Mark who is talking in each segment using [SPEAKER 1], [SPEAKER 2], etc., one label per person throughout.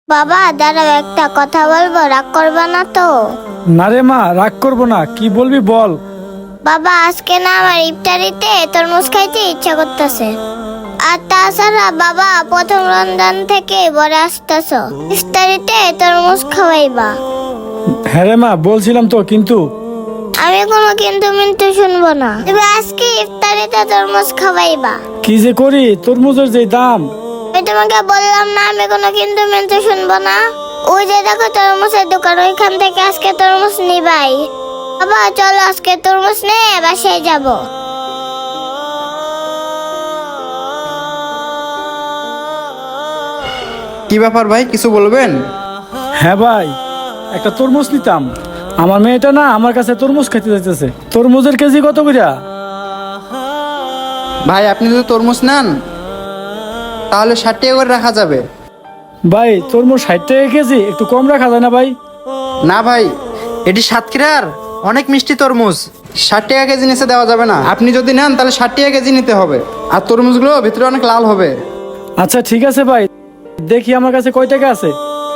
[SPEAKER 1] বাবা দাঁড়াও, একটা কথা বলবো, রাগ করবে না তো?
[SPEAKER 2] না রে মা, রাগ করবো না। কি বলবি বল।
[SPEAKER 1] বাবা আজকে না আমার ইফতারিতে তরমুজ খাইতে ইচ্ছা করতেছে। আর তাছাড়া বাবা প্রথম রমজান থেকে বড় আসতেছ, ইফতারিতে তরমুজ খাওয়াইবা।
[SPEAKER 2] হ্যাঁ রে মা, বলছিলাম তো, কিন্তু
[SPEAKER 1] আমি কোনো কিন্তু মিন্তু শুনবো না। তুমি আজকে ইফতারিতে তরমুজ খাওয়াইবা।
[SPEAKER 2] কি যে করি, তরমুজের যে দাম।
[SPEAKER 1] আমি তোমাকে বললাম না আমি কোনো কিন্তু মিন্তু শুনবো না। ওই যে দেখো তরমুজের দোকান, ওইখান থেকে আজকে তরমুজ নিবাই। বাবা চলো আজকে তরমুজ নিয়ে বাসায় যাবো।
[SPEAKER 3] কি ব্যাপার ভাই, কিছু বলবেন?
[SPEAKER 2] হ্যাঁ ভাই, একটা তরমুজ নিতাম। আমার মেয়েটা না আমার কাছে তরমুজ খেতে যাইতেছে। তরমুজের কেজি কত কইরা?
[SPEAKER 3] ভাই আপনি যদি তরমুজ নেন তাহলে 60 টাকা করে রাখা যাবে।
[SPEAKER 2] ভাই তরমুজ 60 টাকা কেজি, একটু কম রাখা যায় না ভাই?
[SPEAKER 3] না ভাই, এটি সাতক্ষীরার অনেক মিষ্টি তরমুজ, 60 টাকা কেজি নিচে দেওয়া যাবে না। আপনি যদি নেন তাহলে 60 টাকা কেজি নিতে হবে। আর তরমুজগুলো ভিতরে অনেক লাল হবে।
[SPEAKER 2] আচ্ছা ঠিক আছে ভাই, দেখি আমার কাছে কয় টাকা আছে।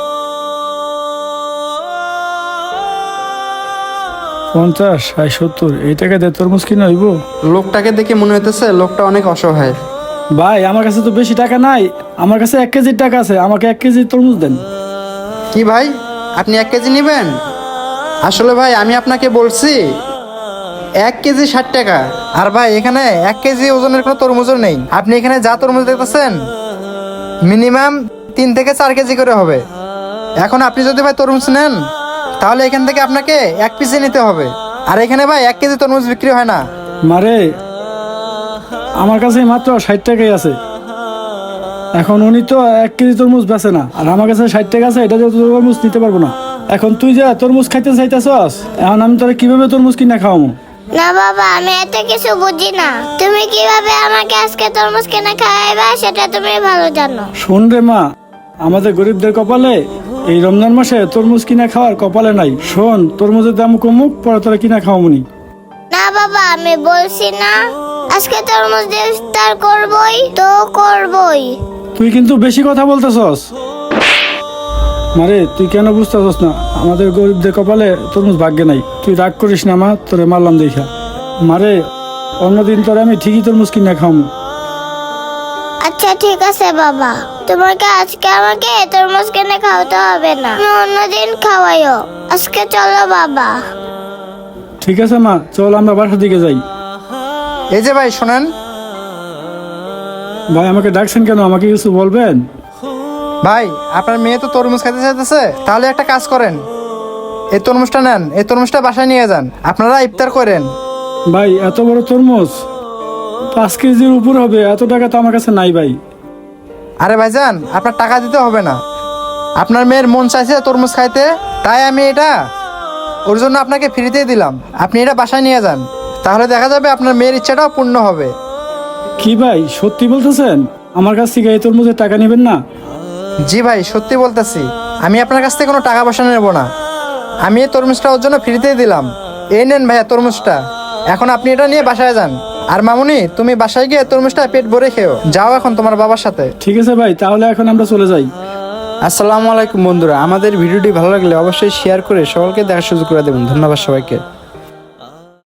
[SPEAKER 2] 50, 60, 70 এই টাকা দিয়ে তরমুজ কিনে হইব?
[SPEAKER 3] লোকটাকে দেখে মনে হইতেছে লোকটা অনেক অসহায়।
[SPEAKER 2] ভাই আমার কাছে তো বেশি টাকা নাই, আমার কাছে 1 কেজির টাকা আছে, আমাকে 1 কেজি তরমুজ দেন।
[SPEAKER 3] কি ভাই, আপনি 1 কেজি নেবেন? আসলে ভাই আমি আপনাকে বলছি 1 কেজি 60 টাকা। আর ভাই এখানে 1 কেজি ওজনের কোনো তরমুজও নেই। আপনি এখানে যা তরমুজ দেখতেছেন মিনিমাম 3 থেকে 4 কেজি করে হবে। এখন আপনি যদি ভাই তরমুজ নেন তাহলে এখান থেকে আপনাকে 1 পিসে নিতে হবে। আর এখানে ভাই 1 কেজি তরমুজ বিক্রি হয় না।
[SPEAKER 2] মারে, আমার কাছে মাত্র 60 টাকাই আছে। এখন উনি তো 1 কেজি তরমুজ বেচে না, আর আমার কাছে 60 টাকা আছে, এটা দিয়ে তো তরমুজ নিতে পারবো না। এখন তুই যা তরমুজ খাইতে চাইতেছস, এখন আমি তোরা কিভাবে তরমুজ কিনা খাওয়াবো?
[SPEAKER 1] না বাবা, আমি এত কিছু বুঝি না। তুমি কিভাবে আমাকে আজকে তরমুজ কিনে খাওয়াইবা সেটা তুমি ভালো জানো।
[SPEAKER 2] শোন রে মা, আমাদের গরিবদের কপালে এই রমজান মাসে তরমুজ কিনা খাওয়ার কপালে নাই। শোন, তরমুজের দাম কমুক, পরে তোরা কিনা খাওয়াবনি।
[SPEAKER 1] না বাবা, আমি বলছি না আজকে তরমুজ দিয়ে ইফতার করবই তো করবই।
[SPEAKER 2] তুই কিন্তু বেশি কথা বলতেছস। মারে তুই কেন বুঝতেছস না, আমাদের গরিবদের কপালে তরমুজ ভাগ্যে নাই। তুই রাগ করিস না মা, তোরে মারলাম দেখা। মারে, অন্যদিন তোরে আমি ঠিকই তরমুজ কিনা খাওয়াবো।
[SPEAKER 1] আচ্ছা ঠিক আছে বাবা, তোমাকে আজকে আমাকে তরমুজ কিনে খাওয়াতে হবে না, তুমি অন্যদিন খাওয়াইও। আজকে চলো বাবা।
[SPEAKER 2] ঠিক আছে মা, চল আমরা বাসার দিকে যাই।
[SPEAKER 3] এই যে ভাই শোনেন,
[SPEAKER 2] ভাই আমাকে ডাকছেন কেন, আমাকে কিছু বলবেন?
[SPEAKER 3] ভাই আপনার মেয়ে তো তরমুজ খেতে চাইতেছে, তাহলে একটা কাজ করেন, এই তরমুজটা নেন, এই তরমুজটা বাসায় নিয়ে যান, আপনারা ইফতার করেন।
[SPEAKER 2] ভাই এত বড় তরমুজ 5 কেজির উপর হবে, এত টাকা তো আমার কাছে নাই ভাই।
[SPEAKER 3] আরে ভাইজান, আপনার টাকা দিতে হবে না। আপনার মেয়ের মন চাইছে তরমুজ খাইতে, তাই আমি এটা ওর জন্য আপনাকে ফ্রিতেই দিলাম। আপনি এটা বাসায় নিয়ে যান, তাহলে দেখা যাবে আপনার মেয়ের ইচ্ছাটাও পূর্ণ হবে।
[SPEAKER 2] কি ভাই, সত্যি বলতেছেন? আমার কাছ থেকে এই তরমুজের টাকা নেবেন না?
[SPEAKER 3] জি ভাই, সত্যি বলতেছি, আমি আপনার কাছ থেকে কোনো টাকা পয়সা নেব না। আমি এই তরমুজটা ওর জন্য ফ্রিতেই দিলাম। এই নেন ভাইয়া তরমুজটা, এখন আপনি এটা নিয়ে বাসায় যান। আর মামুনি, তুমি বাসায় গিয়ে তরমুজটা পেট ভরে খেও। যাও এখন তোমার বাবার সাথে।
[SPEAKER 2] ঠিক আছে ভাই, তাহলে এখন আমরা চলে যাই।
[SPEAKER 3] আসসালামু আলাইকুম বন্ধুরা, আমাদের ভিডিওটি ভালো লাগলে অবশ্যই শেয়ার করে সকলকে দেখার সুযোগ করে দেবেন। ধন্যবাদ সবাইকে।